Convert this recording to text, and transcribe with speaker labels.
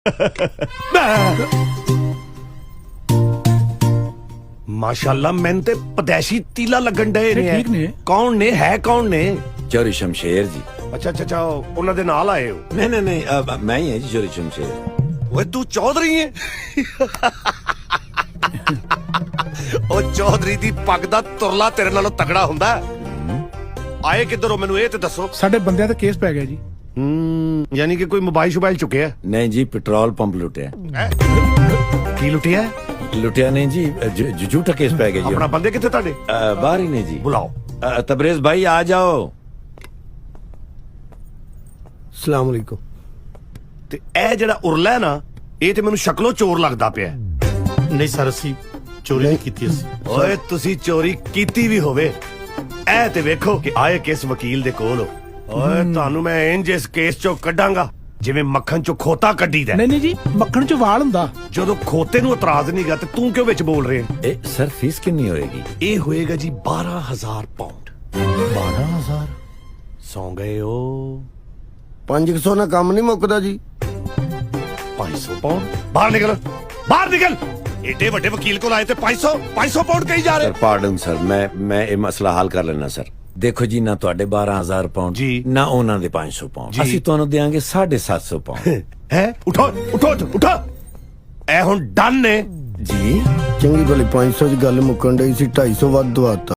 Speaker 1: माशाल्लाह मैंने ते पदैशी तीला लगन डे ने।
Speaker 2: ठीक ने।
Speaker 1: कौन ने है कौन ने?
Speaker 3: चोरी शमशेर जी।
Speaker 1: अच्छा अच्छा अच्छा उन्हां दे नाल आए हो?
Speaker 3: नहीं नहीं नहीं मैं ही है जी चोरी शमशेर।
Speaker 1: ओए तू चौधरी है? ओ चौधरी दी पग दा तुरला तेरे नालों तगड़ा हुंदा। आए किधरों मैनू ये ते दसो।
Speaker 2: ਸਾਡੇ ਬੰਦਿਆਂ ਤੇ ਕੇਸ ਪੈ ਗਿਆ ਜੀ।
Speaker 1: यानी कि कोई मोबाइल शोबाइल चुके है?
Speaker 3: नहीं जी पेट्रोल पंप लुटिया।
Speaker 1: की लुटिया?
Speaker 3: लुटिया नहीं जी झूठा केस पै गया जी।
Speaker 1: अपना बंदे किथे ताडे?
Speaker 3: बाहर ही नहीं जी।
Speaker 1: बुलाओ।
Speaker 3: तबरेज भाई आ जाओ।
Speaker 4: ਸਲਾਮ ਅਲੈਕੁਮ।
Speaker 1: ਤੇ ਇਹ ਜਿਹੜਾ ਉਰਲਾ ਹੈ ਨਾ ਇਹ ਤੇ ਮੈਨੂੰ ਸ਼ਕਲੋਂ ਚੋਰ ਲੱਗਦਾ ਪਿਆ।
Speaker 5: ਨਹੀਂ ਸਰ ਅਸੀਂ ਚੋਰੀ ਨਹੀਂ ਕੀਤੀ ਅਸੀਂ।
Speaker 1: ਓਏ ਤੁਸੀਂ ਚੋਰੀ ਕੀਤੀ ਵੀ ਹੋਵੇ ਇਹ ਤੇ ਵੇਖੋ ਕਿ ਆਏ ਕਿਸ ਵਕੀਲ ਦੇ ਕੋਲ ਹੋ। ਓਏ ਤੁਹਾਨੂੰ ਮੈਂ ਇੰਜ ਇਸ ਕੇਸ ਚੋਂ ਕੱਢਾਂਗਾ ਜਿਵੇਂ ਮੱਖਣ ਚੋਂ ਖੋਤਾ ਕੱਢੀਦਾ।
Speaker 2: ਨਹੀਂ ਨਹੀਂ ਜੀ ਮੱਖਣ ਚ ਵਾਲ ਹੁੰਦਾ।
Speaker 1: ਜਦੋਂ ਖੋਤੇ ਨੂੰ ਇਤਰਾਜ਼ ਨਹੀਂਗਾ ਤੇ ਤੂੰ ਕਿਉਂ ਵਿੱਚ ਬੋਲ ਰਿਹਾ?
Speaker 3: सर फीस कितनी होएगी?
Speaker 1: ਇਹ ਹੋਏਗਾ ਜੀ 12,000 ਪਾਉਂਡ।
Speaker 3: 12,000।
Speaker 1: ਸੌਂ ਗਏ ਹੋ?
Speaker 4: 500 ਨਾਲ ਕੰਮ ਨਹੀਂ ਮੁੱਕਦਾ ਜੀ।
Speaker 1: 500 ਪਾਉਂਡ? ਬਾਹਰ ਨਿਕਲ ਬਾਹਰ ਨਿਕਲ। ਏਡੇ ਵੱਡੇ ਵਕੀਲ ਕੋਲ ਆਏ ਤੇ 500 ਪਾਉਂਡ ਕਹੀ ਜਾ
Speaker 3: सर
Speaker 1: ਰਹੇ?
Speaker 3: पार्डन सर मैं ये मसला हल कर लेना सर। देखो जी ना ਤੁਹਾਡੇ 12,000 ਪਾਉਂਡ
Speaker 1: ਜੀ।
Speaker 3: ਨਾ ਉਹਨਾਂ ਦੇ 500 ਪਾਉਂਡ।
Speaker 1: ਜੀ।
Speaker 3: ਅਸੀਂ ਤੁਹਾਨੂੰ ਦੇਾਂਗੇ 750 ਪਾਉਂਡ।
Speaker 1: ਹੈ ਉਠੋ ਉਠੋ ਉਠੋ। ਇਹ ਹੁਣ ਡਨ ਨੇ।
Speaker 3: ਜੀ
Speaker 4: ਚੰਗੀ ਭਲੀ 500 ਦੀ ਗੱਲ ਮੁੱਕਣ ਡਈ ਸੀ 250 ਵੱਧ ਦਵਾਤਾ।